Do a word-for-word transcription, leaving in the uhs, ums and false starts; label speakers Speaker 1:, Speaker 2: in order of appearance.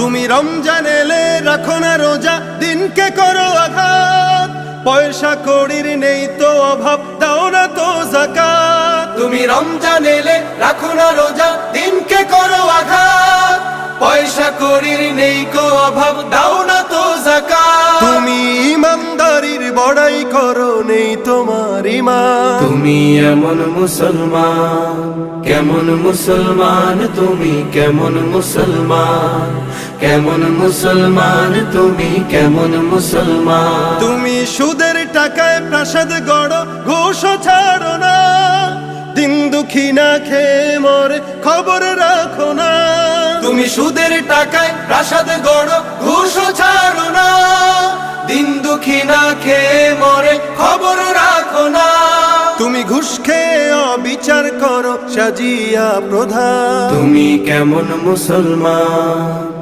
Speaker 1: তুমি রমজান এলে রাখো না রোজা, দিনকে করো আঘাত, পয়সা কড়ির নেই তো অভাব, দাও না তো যাকাত। তুমি রমজান এলে রাখো না রোজা, দিনকে করো আঘাত, পয়সা কড়ির নেই কো অভাব, দাও না তো যাকাত। তুমি ইমানদারির বড়াই করো, নেই তোমার ঈমান।
Speaker 2: তুমি এমন মুসলমান, কেমন মুসলমান তুমি, কেমন মুসলমান, কেমন মুসলমান তুমি, কেমন মুসলমান।
Speaker 1: তুমি সুদের টাকায় প্রাসাদ গড়ো, ঘুষও ছাড়ো না, দিন দুঃখী না খেয়ে মরে খবর রাখো না। তুমি সুদের টাকায় প্রাসাদ গড়ো, ঘুষও ছাড়ো না, দিন দুঃখী না খেয়ে মরে খবর রাখো না। তুমি ঘুষ খেয়ে অবিচার করো, সাজিয়া প্রধান।
Speaker 2: তুমি কেমন মুসলমান।